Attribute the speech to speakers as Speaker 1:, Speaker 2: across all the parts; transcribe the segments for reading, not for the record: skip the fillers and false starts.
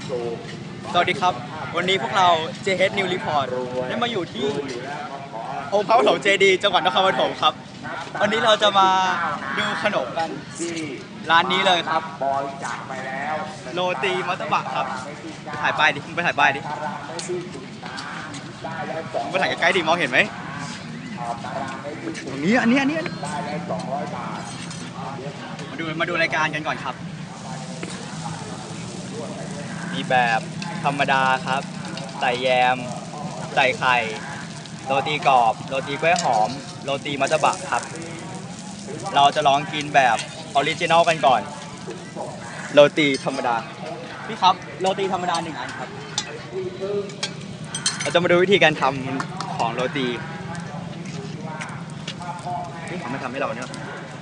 Speaker 1: สวัสดีครับวันนี้พวกเรา JH New Report ได้มาอยู่ที่องค์พระปฐมเจดีย์จังหวัดนครปฐมครับวันนี้เราจะมาดูขนมกันร้านนี้เลยครับโรตีมัตตบะครับถ่ายป้ายดิมึงไปถ่ายป้ายดิมึงไปถ่ายใกล้ๆดิมองเห็นไหมตรงนี้อันนี้มาดูรายการกันก่อนครับมีแบบธรรมดาครับใส่แยมใส่ไข่โรตีกรอบโรตีกล้วยหอมโรตีมัตตบะครับเราจะลองกินแบบออริจินอลกันก่อนโรตีธรรมดาพี่ครับโรตีธรรมดา1 อันครับเราจะมาดูวิธีการทำของโรตีนี่เขาไม่ทำให้เราเนี่ย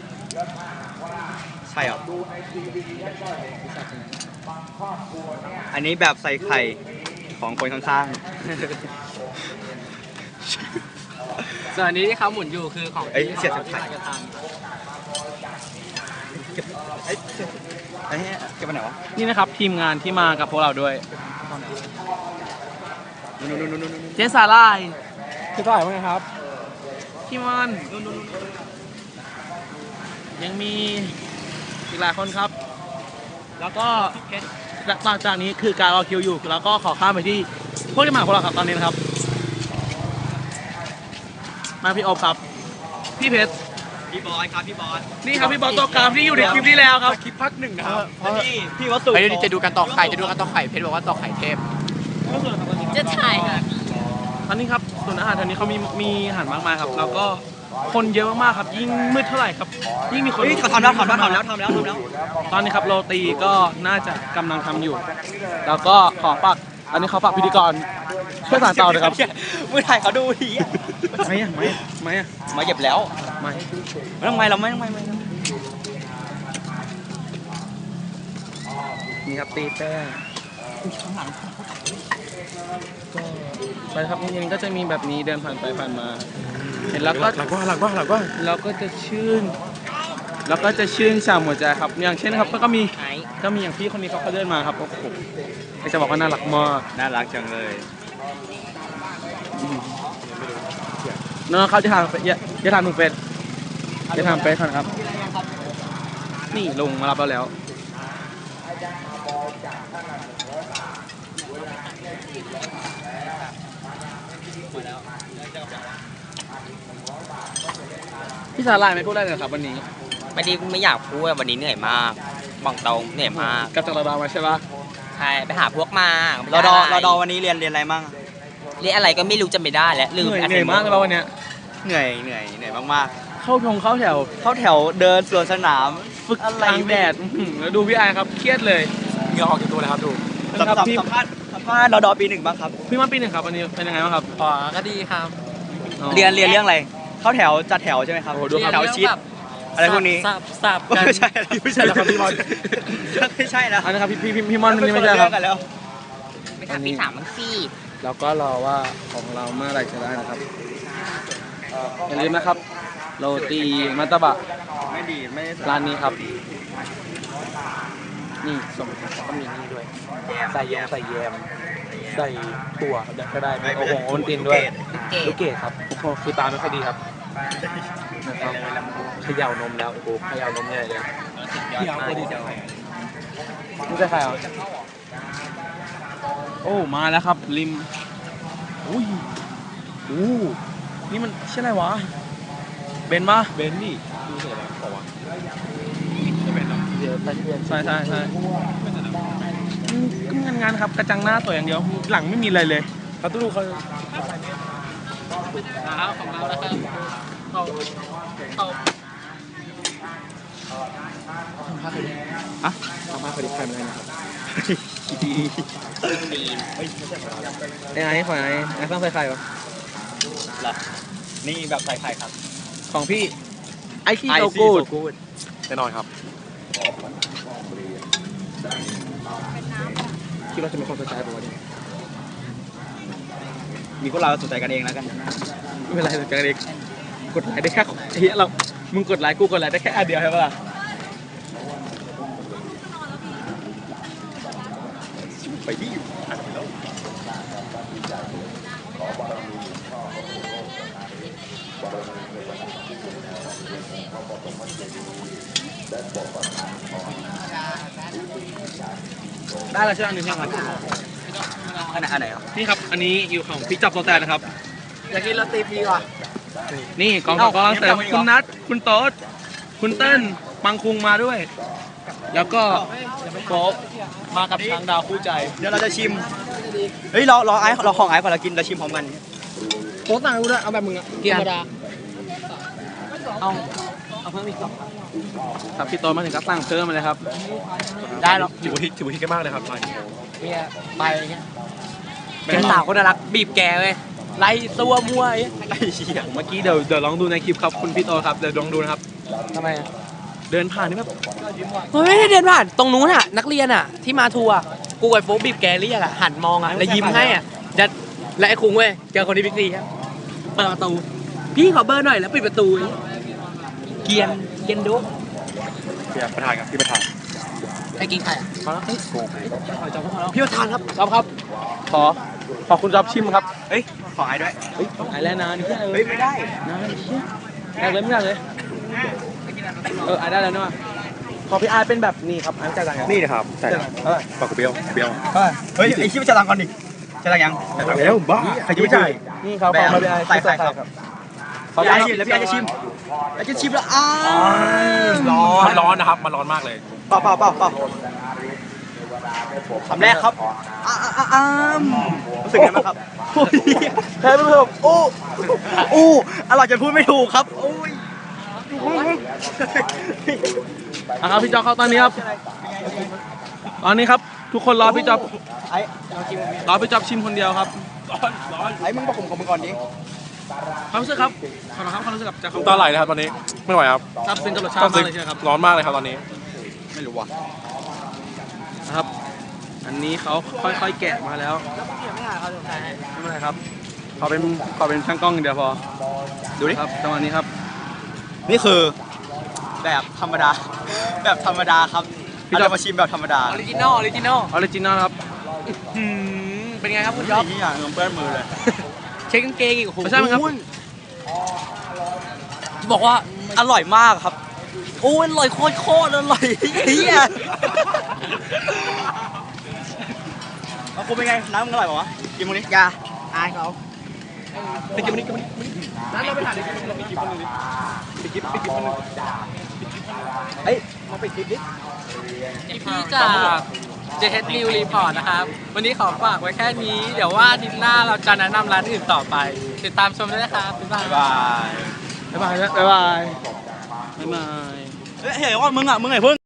Speaker 1: ใช่หรออันนี้แบบใส่ไข่ของคนข้าง
Speaker 2: ส่วนอันนี้ที่เขาหมุนอยู่คือของ
Speaker 1: ๆเสียบไข่
Speaker 2: จะท
Speaker 1: เก็บเก็บไปไหนวะ
Speaker 2: ำนี่นะครับทีมงานที่มากับพวกเราด้วยเจสาลายคือเท่าไหร่บ้างครับพี่มอนยังมีอีกหลายคนครับแล้วก็หลังจากนี้คือการรอคิวอยู่แล้วก็ขอข้ามไปที่พวกที่มาของเราครับตอนนี้นะครับมาพี่อบครับพี่เพชร
Speaker 1: พี่บอยครับพี่บอย
Speaker 2: นี่ครับพี่บอลตัวกลางที่อยู่ในคลิปที่แล้วครับคลิปพัก1นะครับ
Speaker 1: พี่วัสดุ
Speaker 3: เดี๋ยวจะดูกันต่อไข่เพชรบอกว่าต่อไข่เทพ
Speaker 4: จะถ่ายค่ะ
Speaker 2: ตอนนี้ครับส่วนอาหารแถวนี้เขามีอาหารมากมายครับแล้วก็คนเยอะมากๆครับยิ่งมืดเท่าไหร่ครับยิ่งมีคน
Speaker 1: ทำแล้ว
Speaker 2: ตอนนี้ครับโรตีก็น่าจะกำลังทำอยู่แล้วก็ขอฝากอันนี้เขาฝากพิธีกรช่วยสานต่อเลยครับ
Speaker 1: มือถ่ายเขาดูที
Speaker 2: ไม่
Speaker 1: เก็บแล้ว
Speaker 2: ไม่
Speaker 1: ต้องเราไม่
Speaker 2: นี่ครับตีแป้งก็ไปครับจริงๆก็จะมีแบบนี้เดินผ่านไปผ่านมาเห็นแล้วก็หลักว่าแล้วก็จะชื่นชมหัวใจครับอย่างเช่นครับก็มีอย่างพี่คนนี้เขาเดินมาครับโอ้โหจะบอกว่าน่ารักมาก
Speaker 1: น่ารักจังเลย
Speaker 2: น้องเขาจะทำหนุ่มเป็ดจะทำเป็ดก่อนครับนี่ลงมารับเราแล้วพี่สาลายไม่พูดอะไรเลยครับวันนี้
Speaker 4: ไม่อยากพูดวันนี้เหนื่อยมากบอกตรงเหนื่อยมาก
Speaker 2: กับจากเรามาใช่ปะ
Speaker 4: ใช่ไปหาพวกมา
Speaker 1: เราดอวันนี้เรียนอะไรมั่ง
Speaker 4: เรียนอะไรก็ไม่รู้จำไม่ได้แล้วลืม
Speaker 2: เหนื่อยมากเลยวันนี้
Speaker 1: เหนื่อยมาก
Speaker 2: เข้าแถว
Speaker 1: เดินสวนสนาม
Speaker 2: ฝึกกลางแดดแล้วดูพี่ไอครับเครียดเลย
Speaker 3: เหงื่อออกจากตัวเลยครับดู
Speaker 1: สัมภาษณ์เราดอปี 1บ้างครับ
Speaker 2: พี่มาปี 1ครับวันนี้เป็นยังไงบ้างครับ
Speaker 4: ก็ดีครับ
Speaker 1: เรียนเรื่องอะไรเข้าแถวจัดแถวใช่ไหมครับแถวชิดอะไรพวกนี้
Speaker 4: สับกัน
Speaker 1: ไม่ใช่แล้วครับพี่มอนไม่ใช่แล้ว
Speaker 2: อันนี้ครับพี่มอนนี่ไม่ใช่ครับ
Speaker 4: ไปถามพี่3มั้งสิ
Speaker 2: เราก็รอว่าของเราเมื่อไหร่จะได้นะครับอย่าลืมนะครับโรตีมัตตบะ
Speaker 1: ไม่
Speaker 2: ร้านนี้ครับนี่ส่งก็มีนี่ด้วยใส่แยมใส่ถั่วก็ได้โอ้โหโอนตินด้วยลูกเกดครับโอ้โหคือตาไม่ค่อยดีครับนะครับเขย่านมแล้วโอ้โหเขย่านมใหญ่เลยนี่จะใครอ่ะโอ้มาแล้วครับริมอุ้ยนี่มันชื่ออะไรวะเบนป่ะ
Speaker 3: เบนนี่ดูเสร็จแล้วบอกว่า
Speaker 2: ใช่ก็งานครับกระจังหน้าตัวอย่างเดียวหลังไม่มีอะไรเลยเขาตู้ดูเขาของเราแล้วครับเขาทำภาพไปดิทำภาพไปดิใครมาเลยนะครับไอ้ขอไอ้ต้องใส่ไข่ปะ
Speaker 1: หรอนี่แบบใส่ไข่ครับ
Speaker 2: ของพี่ไอซี่โซกูด
Speaker 3: แน่นอนครับ
Speaker 2: คิดว่าจะมีคนสนใจป่ะวะเนี่ย
Speaker 1: มีพวกเราสนใจกันเองแล้วกัน
Speaker 2: ไม่เป็นไรสนใจกันเองกดไลค์ได้แค่มึงกดไลค์กูกดไลค์ได้แค่อันเดียวใช่ปะล่ะ
Speaker 3: ไปที่อ่านไปแล้ว
Speaker 2: ได้แล้วใช่ไหมอันนี้ครับ
Speaker 1: อันไหนครับ
Speaker 2: นี่ครับอันนี้อยู่ของพี่จับโซแตนนะครับ
Speaker 4: อยากกินโรตีฟรีว่ะ
Speaker 2: นี่กองทัพกำลังเสริมคุณนัทคุณโต๊ดคุณเต้นปังคุงมาด้วย แล้วก็โป๊ปมากับช้างดาวคู่ใจ
Speaker 1: เดี๋ยวเราจะชิม เฮ้ยรอไอ้เราของไอ้ก่อนเรากินเราชิมพร้อมกัน
Speaker 2: โป๊ปต่างกูด้วยเอาแบบมึงอะธรรมดาเอาเพิ่มอีกครับพี่โต๊ดมาถึงก็สั่งเพิ่มมาเลยครับ
Speaker 4: ได้หรอก
Speaker 3: ถือว่าฮิตกันมากเลยครับร้านนี้
Speaker 4: เนี่ยไปเงี้ยแกสาวคนน่ารักบีบแกเลยไล่ตัวมั่วไอ้
Speaker 1: ไอ้เหี้ย
Speaker 2: เมื่อกี้เดี๋ยวลองดูในคลิปครับคุณพี่โต๊ดครับเดี๋ยวลองดูนะครับ
Speaker 4: ทำไมอะ
Speaker 2: เดินผ่านนี่แบบ
Speaker 4: เฮ้ยไม่ได้เดินผ่านตรงนู้นอ่ะนักเรียนอ่ะที่มาทัวร์กูกับโฟกบีบแกเรียกอ่ะหันมองอ่ะแล้วยิ้มให้อ่ะจะและไอ้คุงเว้ยเจอคนที่บิ๊กซีครับเปิดประตูพี่ขอเบอร์หน่อยแล้วปิดประตูเกียนดุ
Speaker 3: พี่ประธานครับพี่ประธาน
Speaker 4: ไอ้กินใครอ่ะ
Speaker 2: พี่ประธานครับครับ ขอคุณจ๊อบชิมครับ
Speaker 1: เฮ้ยของไอ้ด้วย
Speaker 2: เฮ้ยไอ้แล้วนานนี่
Speaker 1: เฮ้ยไม่ได้
Speaker 2: นานแรกเลยไม่ได้เลยไอ้ได้แล้วเนาะขอพี่ไอ้เป็นแบบนี้ครับไอ้จ่ายตังค์
Speaker 3: นี่นะครับใช่ปากกเบี้ยวเบี้ยว
Speaker 1: เฮ้ยไอ้ชิบจะตังก่อนดิจะตังยัง
Speaker 3: แล้วบ้าใครจะไม่จ่าย
Speaker 2: นี่ครับขอมาพี่ไอ้
Speaker 1: ใส่ไข่ครับ
Speaker 2: ขอ
Speaker 1: พี่
Speaker 2: พี่
Speaker 1: ไอ้
Speaker 2: ไอ้
Speaker 1: ชิมแล้วพี่ไอ้จะชิมไอ้จะชิมแล้ว
Speaker 3: มันร้อนนะครับมันร้อนมากเลย
Speaker 1: เปล่าคำแรกครับรู้สึกไงบ้างครับ
Speaker 2: แพ้ไปเพิ่มโอ้
Speaker 1: อู้อร่อยจนพูดไม่ถูกครับโอ้ย
Speaker 2: ครับพี่จ๊อบเข้าตอนนี้ครับตอนนี้ครับ ทุกคนรอพี่จ๊อบ
Speaker 1: ไอ้
Speaker 2: รอพี่จ๊อบชิมคนเดียวครับ
Speaker 1: ไอ้มึงบอกผมของมึงก่อนดิ
Speaker 2: ความรู้สึกครับขอรับความรู้สึกกับจาก
Speaker 3: ตาไหลเลยครับตอนนี้ไม่ไหวครับ
Speaker 2: ครับเป็นกับรสชาติมากเลยใช่ไหมครับ
Speaker 3: ร้อนมากเลยครับตอนนี้
Speaker 1: ไม่รู้ว่ะ
Speaker 2: นะครับ อันนี้เขาค่อยๆแกะมาแล้วไม่เป็นไรครับขอเป็นช่างกล้องอย่างเดียวพอ
Speaker 1: ดูดิ
Speaker 2: ครับจังหวะนี้ครับ
Speaker 1: นี่คือแบบธรรมดา แบบธรรมดาครับเราจะมาชิมแบบธรรมดา
Speaker 4: ออริจินอล
Speaker 2: ออริจินอลครับ
Speaker 4: เป็นไงครับคุณจ๊อบ
Speaker 1: นี่อย่างเงินเปื้อนมือเลย
Speaker 4: เช็คกางเกงอีกโอ้โห
Speaker 2: ไม่ใช่ไหมครับ
Speaker 4: บอกว่า
Speaker 1: อร่อยมากครับโอ้ยอร่อยโคตรอร่อยเฮียเอาคุณเป็นไงน้ำมึงอร่อยป่าวะกินมึงนี่ยาอายเขา
Speaker 2: ไปกินมันนี่นั้นเราไปถ่ายเราไปกินคนนึงดิไปกินคนนึง
Speaker 1: เฮ้ยมาไปคลิปดิ
Speaker 4: พี่จากเจเฮดนิวรีพอร์ตนะครับ วันนี้ขอฝากไว้แค่นี้ เดี๋ยวว่าอาทิตย์หน้าเราจะแนะนำร้านอื่นต่อไป ติดตามชมด้วยนะครับบ๊ายบาย
Speaker 1: บ๊ายบาย
Speaker 2: บ๊ายบายเฮ้ยว่ามึงไงเพิ่ง